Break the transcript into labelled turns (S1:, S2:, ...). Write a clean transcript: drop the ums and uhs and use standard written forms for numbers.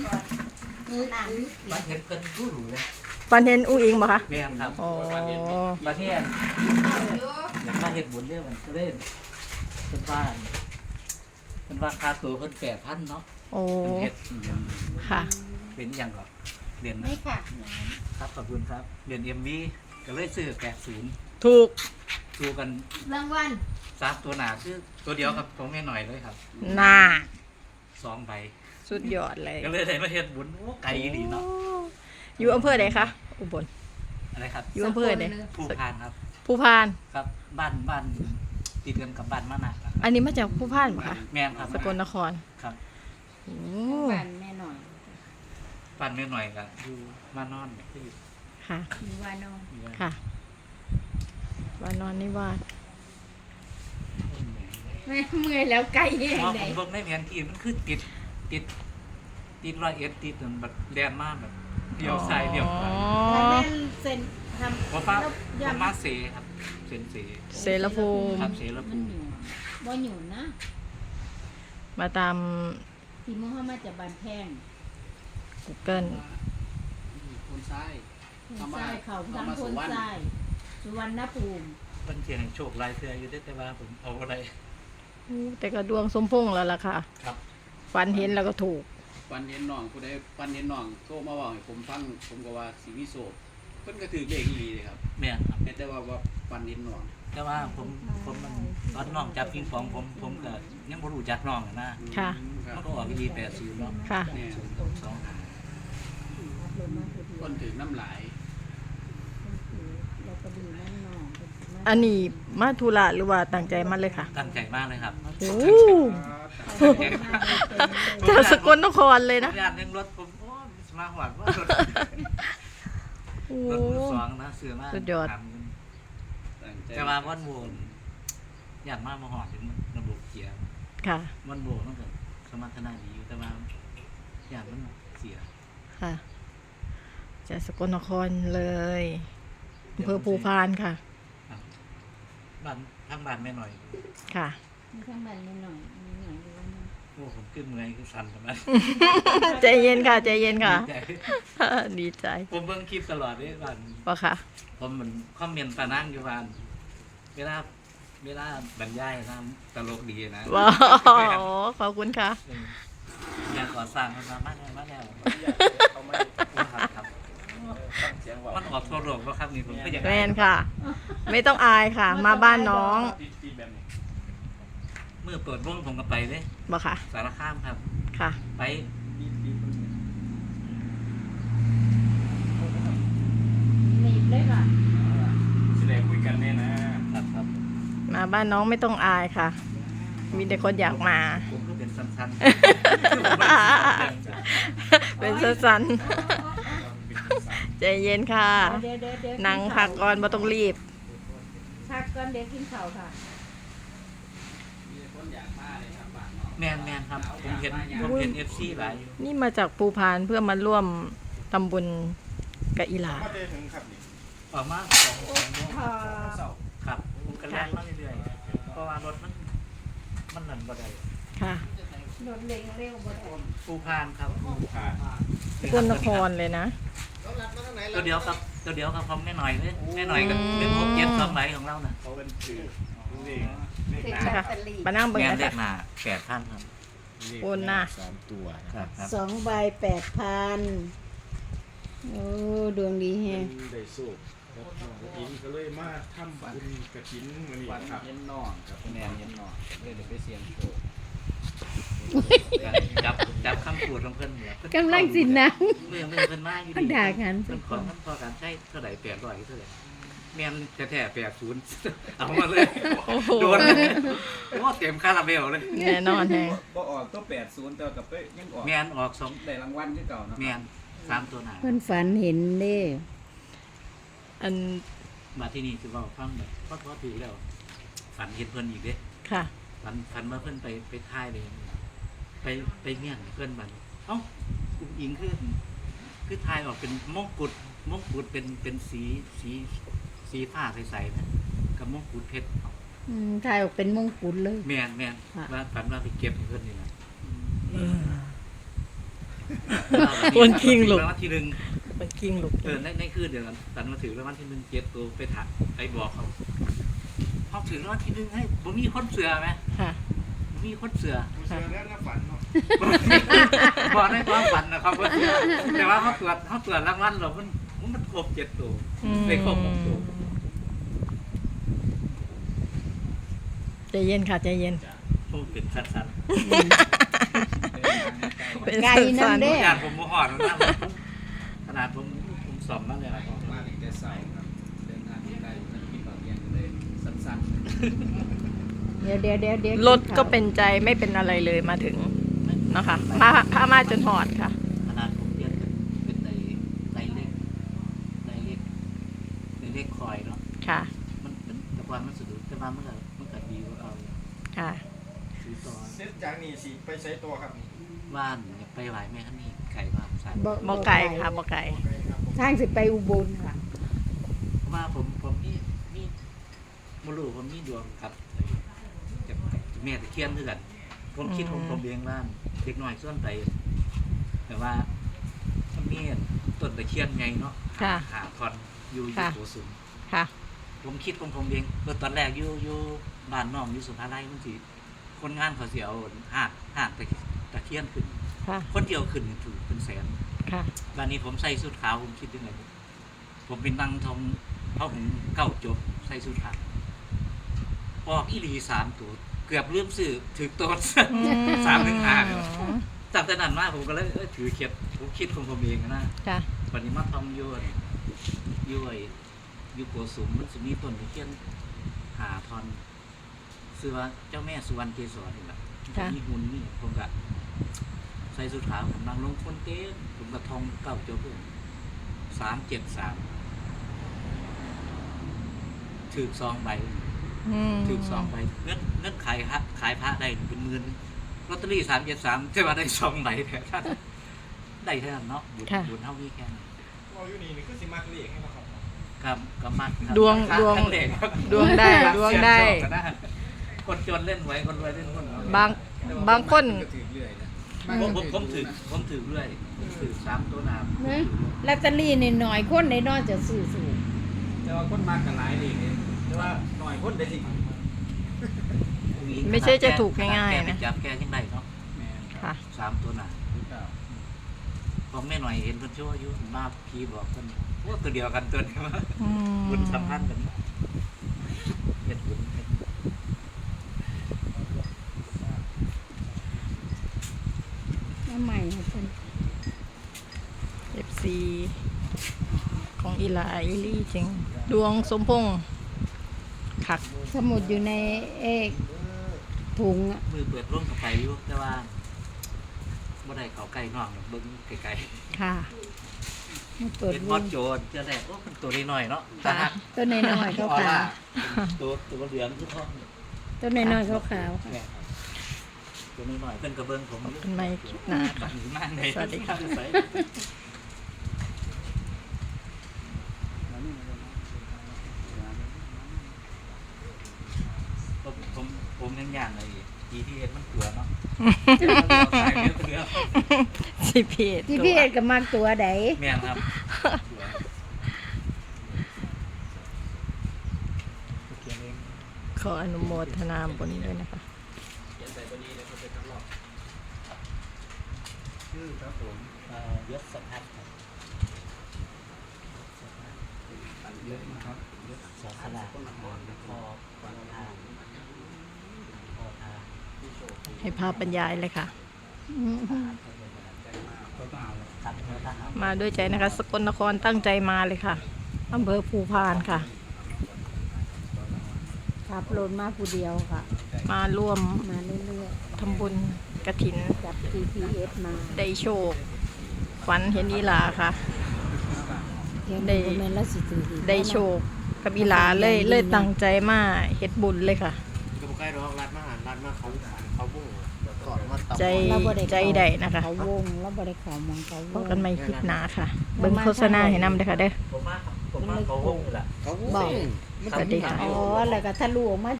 S1: มาเห็นเพิ่นรู้หรูเลย
S2: ฝันเห็นอุ้งอิงบ่คะ
S1: แม่นครับ
S2: อ๋อ
S1: มาเที่ยนอยากมาเฮ็ดบุญเรื่องมันก็เล่นเป็นบ้านเป็นว่าค่าตัวเพิ่น8,000เนาะ
S2: โอ้
S1: เฮ็ด
S2: ค่ะ
S1: เป็นอย่างก่อนเรียน
S3: ไม่ค่ะ
S1: ครับขอบคุณครับเรียน MV ก็เลยซื้อ80
S2: ถูก
S1: ดูกัน
S3: รางวัล
S1: 3ตัวหนาคือตัวเดียวครับของแม่หน่อยเลยครับ
S2: น่า
S1: 2ใบ
S2: สุดยอดเลย
S1: ก็เลยได้มาเฮ็ดบุญโอ้ไกลดีเนาะ
S2: อยู่อำเภอใดคะอุบล
S1: อะไรครับ
S2: อยู่อำเภอใด
S1: ผู้พานครับ
S2: ภูพาน
S1: ครับบ้านติดกันกับบ้านมานาครับ
S2: อันนี้มาจากภูพานบ่คะ
S1: แม่นครับ
S2: สกลนคร
S1: ครับ
S2: โอ้
S3: บ้านแม่หน่อย
S1: บ้านแม่หน่อยก็อยู่มานอนที่
S2: ค่ะ
S3: มีวานอง
S2: ค่ะวานอนนิวาส
S3: แม่เมื่อยแล้วไก่แห้ง
S1: พอ
S3: ไหน
S1: ผมเบิ่งในแผนที่มันคือติด100ติดจนแบบแดนมากแบบเลี้ยวซ้ายเลี้ยวขวา
S3: ถ้าแม่เซ็นทำ
S1: ผมว่า
S3: แล้ว
S1: ผม
S3: ยำ
S1: มาเสครับเส้นเส
S2: เสรภูมิ
S1: ครับเสร
S3: มั
S1: ภู
S3: น
S1: มิ
S3: อยู่บ่อยู่นะ
S2: มาตาม
S3: ที่มุ่งเข้ามาจากบ้านแพง
S2: Google
S4: คนซ้าย
S3: คนทรายเขาทำคนทรายสุวรรณภูมิ
S1: เพิ่นเขียนให้โชคลายเทื่ออยู่เด้อแต่ว่าผมเอาอะไร
S2: แต่ก็ดวงสมพงษ์แล้วล่ะค่ะ
S1: ครับ
S2: ฝันเห็นแล้วก็ถูก
S4: ปันเห็นน้องผู้ใดปันเห็นน้องโทรมาบอกให้ผมฟังผมก็ว่าสีวิโสเพิ่นก็ถือเลขอีหลีเลยครับ
S1: แม่นครับ
S4: แต่ว่าปันเห็นน้อง
S1: แต่ว่าผมมันตอนน้องจับปิงปองผมก็ยังบ่รู้จักน้องอะนะ
S2: ค่ะ
S4: ครั
S1: มัน
S4: บ
S1: ก็ออกดี80เนาะ
S2: ค่ะ
S4: เนี่ย
S1: 2หา
S4: คนถือน้ำลาย
S3: แล้วก็ดีนั่นน้อง
S2: อันนี้มาธุระหรือว่าตั้งใจมาเลยค่ะ
S1: ตั้งใจมากเลยครับ
S2: โอ้จากสกลนครเลยนะ
S1: ญาติยังรถผมโอ้ยสมาหวัดว่ารถ
S2: โอ้
S1: รถมือสองนะเสือมาก
S2: สุดยอด
S4: ตั้งใจ
S1: แต่ว่าวันโวนญาติมากมาหอดถึงระบบเกียร์
S2: ค่ะ
S1: วันโวนมันก็สมรรถนะดีอยู่แต่ว่าญาติมันเสีย
S2: ค่ะจากสกลนครเลยอำเภอภูพานค่ะ
S1: บ้านทั้งบ้านแม่หน่อย
S2: ค่ะ
S3: มีทั้งบ้านแม่หน่อยมีหน่อยอยู่ว่านะ
S1: โอ้ผมขึ้นเมื่อยคือสั่นทำไม
S2: ใจเย็นค่ะใจเย็นค่ะ ดีใจ
S1: ผมเบิ่งคลิปตลอดเลยบ้าน
S2: ว่าค่ะ
S1: ผมเหมือนคอมเมนต์ปานั่งอยู่บ้านเวลาบรรยายนะตลกดีนะ
S2: ว้าวขอบคุณค่ะ
S1: อยากก่อสร้างมันมาแล้วครับมันออกตัวหลวงว่าครับนี่ผมก็อยาก
S2: แมนค่ะ ไม่ต้องอายค่ะ มาบ้านน้อง
S1: เมื่อเปิดวงผมก็ไปเลย
S2: บ่ค่ะ
S1: สารคามครับ
S2: ค่ะ
S1: ไป
S3: หนีบเลยค่ะ
S4: แสดงคุยกันแน่นะครับ
S1: ครับ
S2: มาบ้านน้องไม่ต้องอายค่ะ มีแต่คนอยากมา
S1: ผมก็เป็นสั้น
S2: เป็นสั้นๆใจเย็นค่ะ
S3: เดี๋ยว
S2: นั่งพักก่อนบ่ต้องรีบ
S3: พักก่อนเดี๋ยวกินข้าวค่ะ
S4: มีคนอยากมาเลยครับบ้านน้อง
S1: แมนครับผมเห็น FC หลายอยู่
S2: นี่มาจากภูพานเพื่อมาร่วมทำบุญกับอีหลา
S4: มาเจอถึงครับนี่
S1: ออกมา2 โมง
S4: เศร้า
S1: ครับผมก็แล่นมาเรื่อยๆเพราะว่ารถมันนั่นบ่ได้
S2: ค่ะ
S3: รถเร็วเร็วบ่ได้
S1: ภูพานครับ
S4: ผ่าน
S2: สกลนครเลยนะ
S1: ตัวเดียวครับของแม่หน่อยเลยแม่หน่อยกับเรื่อง672ใบของเราน่ะ
S4: เขาเป็นถือเลข
S3: ถึง
S4: หนา
S3: ลอตเตอรี่
S2: มานั่งเบิ่ง
S1: แม่
S2: นะ
S1: เด็
S2: คะ
S1: กหน้า8,000ครับ
S2: โอนน่ะ
S4: 3 ตัวนะ
S1: ค
S4: ค
S1: รั
S4: รั
S1: บบ ครับ
S3: สองใบ8,000โอ้ดวงดีแฮง
S5: ได้สูบครับอินก็เลยมาทำบุญกระถินมื้อนี้
S4: วัน
S5: ครับ
S4: เย็นน้องครับแนนเย็นน้องเลยเดี๋ยวไปเสียงโชว์
S1: จับคำพูดของเพิ่นเนี่ย
S3: กำลังสินะ
S1: เมื่อเพิ่นมาอยู่
S3: มันด่ากัน
S1: เพิ่นขอพอการใช้เท่าไหร่800เท่าไหร่แม่นแท้ๆ80เอามาเลย
S2: โอ้โห
S1: โดนเลยโอ้เต็มคาราเบลเลย
S2: แน่นอนแฮง
S4: บ่ออกตัว80แต่กับไปยังออก
S1: แม่นออก2
S4: ได้รางวัลคือเก่านะ
S1: แม่น3ตัวหน้า
S3: เพิ่นฝันเห็นเด้
S2: อัน
S1: มาที่นี่คือเว้าฟังแบบพอถือแล้วฝันเห็นเพิ่นอีกเด้
S2: ค่ะ
S1: ฝันว่าเพิ่นไปท่ายเลยไปเมี่ยงเพิ่นบัดเอ้าอุ้งอิงคือทายออกเป็นมงกุฎเป็นสีฟ้าใสๆนะกับมงกุฎเพชร
S3: ถ่ายออกเป็นมงกุฎเลย
S1: แม่น
S3: ค่ะ
S1: ว่าฝันว่าไปเก็บให้เพิ่นนี่นะ
S2: คนคิงลูก
S1: รางวัลที่หนึ่ง
S2: มันกิ้งลูก
S1: ในคืนเดียวกันตันมาถือรางวัลที่หนึ่ง7 ตัวไปถักไปบอกเขาถือรางวัลที่หนึ่งให้ผมมีคนเสือไหม
S2: ค่ะ
S1: บ่มีคนเสือ
S5: กูเชื่อแล้วนะฝันเนาะ
S1: บอกได้ความฝันนะครับว่าเสือแต่ว่าเขาตรวจรางวัลเรามันครบ7 ตัวได้ครบ6 ตัว
S2: ใจเย็นค่ะใจเย็น
S1: ผมเป็นสั้น
S2: เป็น
S3: ไก่น้ำ
S1: ๆ
S3: เด้
S1: ขนาดผมโมหอนนะขนาดผมสอบมาเลยครับ
S4: มาถึงแต่เช้าครับเดินทางที่ไกลมันกินบางอย่างเลยสั้น
S3: เดี๋ยว
S2: รถก็เป็นใจไม่เป็นอะไรเลยมาถึงนะคะมาจนหอดค่ะ
S1: ขนาดผมเรียนเป็นในเลขคอยเนาะ
S2: ค่ะ
S1: มันเป็นแต่ความมันสะดุดแต่ว่ามันก็ดีกว่าเอา
S2: ค่ะ
S1: ซื้อต่อ
S5: เสร็จจากนี้สิไปใช้ตัวครับนี่
S1: บ้านไปไหวแม่ท่านนี่ไก่บ้านสาย
S2: บ่ไก่ค่ะบ่ไก่
S5: ครับผม
S3: ทางสิไปอุบลค่ะ
S1: ว่าผมนี่มรู้ผมนี่ดวงกับแม่ตะเคียนด้วยกันผมคิดผมเลี้ยงบ้านเด็กน้อยส่วนไปแต่ว่ามันมีต้นตะเคียนไงเนาะ
S2: ค่ะ
S1: หาคอนอยู่
S2: ค่ะ
S1: โกสุม
S2: ค่ะ
S1: ผมคิดผมเองตอนแรกอยู่บ้านน้องอยู่สุภาลัยมันสิคนงานเขาเสียเอาหากตะเคียนขึ้น
S2: ค่ะ
S1: คนเดียวขึ้นนี่ถูกเป็นแสน
S2: ค่ะ
S1: บ้านนี้ผมใส่สุดขาวผมคิดยังไงผมเป็นนั่งทองเขาถึงเก้าจบใส่สุดขาวออกอีหลี3 ตัวเกือบเริ่มซื้อถือตัว 3-5เนี่ยจากแต่นั้นมาผมก็เลยถือเข็ดผมคิดผมเองนะ
S2: ค่ะ
S1: วันนี้มาทำอยู่โกสุมมันจะมีต้นตะเคียนหาทอนชื่อว่าเจ้าแม่สุวรรณเกศรนี่แหละ
S2: ค่ะ
S1: มีหุ่นนี่ผมก็ใส่สุดขาวผมนั่งลงคนเต้นผมก็ทองเก้าจบเลย373ถือ2 ใบถือ2 ใบเงินขายพระได้เป็นหมื่นลอตเตอรี่373ใช่ว่าได้2 ใบแท้ท่านได้เท่านั้นเนาะบุญเท่านี้แค่นั้น
S5: เราอยู่นี่นี่คือสิมากเรียกให้มาครับ
S1: ครับก็มักครับ
S2: ดวง
S1: ทั้เลขครับ
S2: ดวงได้ดวงได้
S1: เสี่ยงโชคก็คนจนเล่นไว้คนรวยเล่นหุ้น
S2: บางคน
S4: ก็ถือเรื่อยนะ
S1: ผมถือเรื่อยผมถือ3 ตัวหนาม
S3: นะลอตเตอรี่นี่หน่อยคนในนอกจะซื้อสูง
S4: แต่ว่าคนมากกันหลายเลยแต่ว่าหน่อยคนได้สิ
S2: ไม่ใช่จะถูกง่ายๆนะ
S1: จับแกยังไงเนาะ
S4: แม่น
S2: ค่ะ
S1: 3 ตัวหนาม
S4: คือเก่า
S1: ผมแม่หน่อยเห็นคนชั่วอายุมาพีบอกคนว่าตัวเดียวกันตัวเดียว
S2: อืม
S1: บุญสัมพันธ์กันเฮ็ดบุญ
S3: น้ำใหม่ค่ะท่าน
S2: FC ของอีหลาอีลี่จริง ดวงสมพงษ์คัก
S3: สมุดอยู่ในถุงอะ
S1: มือเปิดร่วมกับไปอยู่แต่ว่าบ่ได้เขาใกล้น้องหรอกเบิ่งไกล
S2: ค่ะ
S3: มัน
S1: ๆ
S3: เปิด
S1: เป็นบ
S3: ว
S1: อง สโจรเจอแรกโอ้มันตัวน้อยๆเนาะ
S2: ค่ะ
S3: ต้นน้อยๆขาว
S1: ออร่ตัวเหลืองคือทอง
S3: ๆต้นน้อยๆขาวๆค่ะ
S1: แม่ครับตัวน้อยๆเพิ่นก็เบิ่งผมอยู่
S2: เป็นไม้คลิปหน้าค่ะ
S1: ดีมากเลย
S2: สวัสดีค่ะ
S1: ผมยังย่านเลย GPS มันตัวเนาะสายเรือ
S2: สิเพจ
S3: ที่พี่เอ็ดกับมากตัวใด
S1: แม่นครับตัวเขียนเอง
S2: ขออนุโมทนาบุญด้วยนะคะ
S4: เขียนใส่ตัวนี้แล้วก็ไปทดลอง
S5: ชื่อครับผม
S1: ยศสัมพันธ์ครับ
S4: เยอะนะครับ
S1: ยศสาสลาคอฟันทางคอทาง
S2: ให้ภาพบรรยายเลยค่ะ
S3: อืม
S1: ตัดเนื้อทหาร
S2: มาด้วยใจนะคะ สกลนครตั้งใจมาเลยค่ะอำเภอภูพานค่ะ
S3: ขับรถมาผู้เดียวค่ะ
S2: มาร่วม
S3: มาเรื่อย
S2: ทำบุญกฐิน
S3: ๆจับ GPS มา
S2: ได้โชค ฝันเห็นอีหลาค่ะ
S3: เห็นได้แม่นแล้วสิถืออีก
S2: ได้โชคกับอีหลาเลยตั้งใจมาเฮ็ดบุญเลยค่ะ
S5: ก็บ่ใกล้ดอกรัดมาเขาบุ้งก่อนมาตับ
S2: ใจใจใดนะคะ
S3: เขาวงแล้วบ่ได้เขามองเขาว
S2: พบ
S3: ง
S2: กันใหม่คลิปหน้าค่ะ เบิ่งโฆษณาให้นำเด้อค่ะเด้อ
S1: ผมว่าเขาห้องนี่แหละ
S5: เขาบุ้ง
S2: บอก สวัสดีค่ะ
S3: อ๋อแล้วก็ทะลุออกมา